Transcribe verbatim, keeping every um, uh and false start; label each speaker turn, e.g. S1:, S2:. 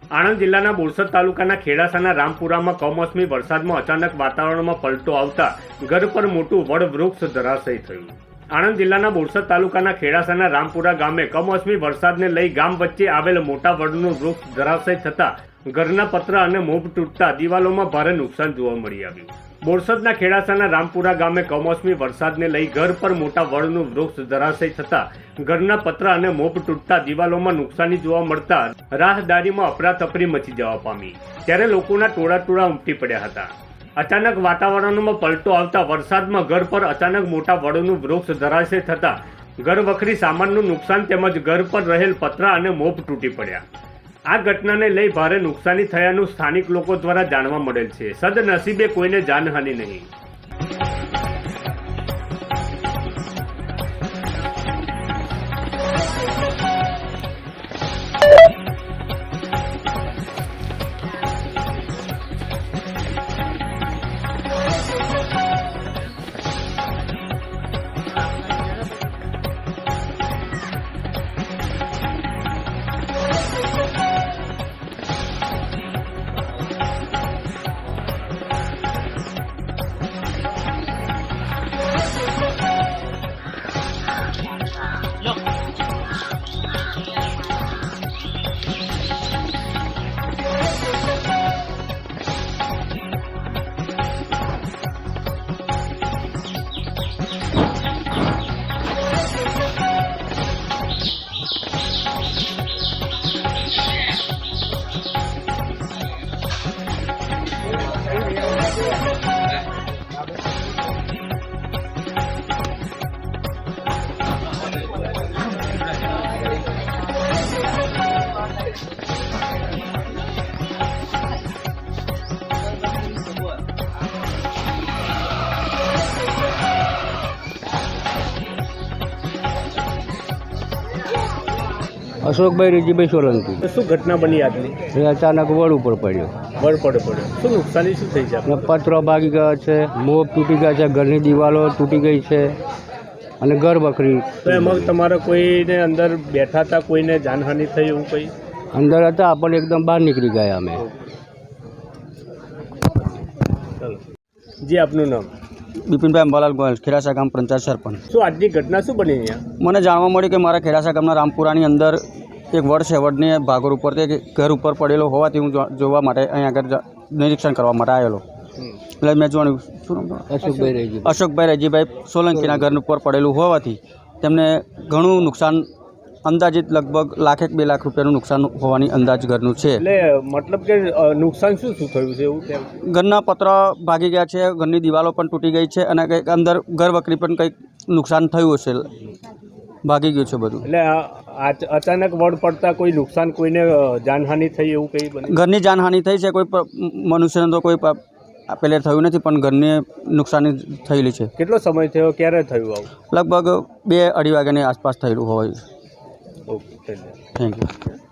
S1: આણંદ જિલ્લાના બોરસદ તાલુકાના ખેડાસાના રામપુરામાં કમોસમી વરસાદમાં અચાનક વાતાવરણમાં પલટો આવતા ઘર પર મોટું વડ વૃક્ષ ધરાશયી થયું। આણંદ જિલ્લાના બોરસદ તાલુકાના ખેડાસાના રામપુરા ગામે કમોસમી વરસાદને લઈ ગામ વચ્ચે આવેલ મોટા વડનું વૃક્ષ ધરાશયી થતા ઘરના પતરા અને મોભ તૂટતા દિવાલોમાં ભારે નુકસાન જોવા મળી આવ્યું। બોરસદના ખેડાસાના રામપુરા ગામે કમોસમી વરસાદને લઈ ઘર પર મોટા વડનું વૃક્ષ ધરાશયી થતા ઘરના પતરા અને મોભ તૂટતા દિવાલોમાં નુકસાની જોવા મળતા રાહદારીમાં અફરાતફરી મચી જવા પામી, ત્યારે લોકોના ટોળા ટોળા ઉમટી પડ્યા હતા। અચાનક વાતાવરણમાં પલટો આવતા વરસાદમાં ઘર પર અચાનક મોટા વડનું વૃક્ષ ધરાશયી થતા ઘર વખરી સામાનનું નુકસાન તેમજ ઘર પર રહેલ પતરા અને મોભ તૂટી પડ્યા। આ ઘટનાને લઈ ભારે નુકસાની થયાનું સ્થાનિક લોકો દ્વારા જાણવા મળેલ છે। સદનસીબે કોઈને જાનહાનિ નહીં।
S2: અશોકભાઈ રેજીભાઈ સોલંકી।
S1: શું ઘટના બની આજની?
S2: એ અચાનક વડ ઉપર પડ્યો,
S1: વડ પડે પડ્યો શું નુકસાની શું થઈ છે?
S2: અને પતરો ભાગી ગયા છે, મોબ તૂટી ગયા છે, ઘરની દિવાલો તૂટી ગઈ છે અને ઘર બકરી।
S1: તો એમાં તમારે કોઈને અંદર બેઠા હતા, કોઈને જાનહાનિ થઈ એવું કંઈ?
S2: અંદર હતા પણ એકદમ બહાર નીકળી ગયા અમે।
S1: ચાલો જી, આપનું નામ?
S2: બિપિનભાઈ અંબાલાલ ગોયલ, ખેડાસા ગામ પંચાયત સરપંચ।
S1: શું આજની ઘટના શું બની અહીંયા?
S2: મને જાણવા મળ્યું કે મારા ખેડાસા ગામના રામપુરાની અંદર એક વડ છે, વડને ભાગોર ઉપર તે ઘર ઉપર પડેલો હોવાથી હું જોવા માટે અહીંયા આગળ નિરીક્ષણ કરવા માટે આવેલો। એટલે મેં જોયું શું અશોકભાઈ રેજી અશોકભાઈ રેજીભાઈ સોલંકીના ઘર ઉપર પડેલું હોવાથી તેમને ઘણું નુકસાન, અંદાજિત લગભગ લાખેક બે લાખ રૂપિયાનું નુકસાન હોવાની અંદાજ ઘરનું છે।
S1: એટલે મતલબ કે નુકસાન શું શું થયું છે એવું?
S2: ઘરના પતરા ભાગી ગયા છે, ઘરની દિવાલો પણ તૂટી ગઈ છે અને કંઈક અંદર ઘર વખરી પણ કંઈક નુકસાન થયું હશે, ભાગી ગયું છે બધું।
S1: એટલે અચાનક વડ પડતા કોઈ નુકસાન, કોઈને જાનહાનિ થઈ એવું કંઈ બન્યું?
S2: ઘરની જાનહાનિ થઈ છે, કોઈ મનુષ્યને તો કોઈ પેલે થયું નથી પણ ઘરને નુકસાની થયેલી છે।
S1: કેટલો સમય થયો, ક્યારે થયું આવું?
S2: લગભગ બે અઢી વાગ્યાની આસપાસ થયેલું હોય।
S1: Okay,
S2: thank you.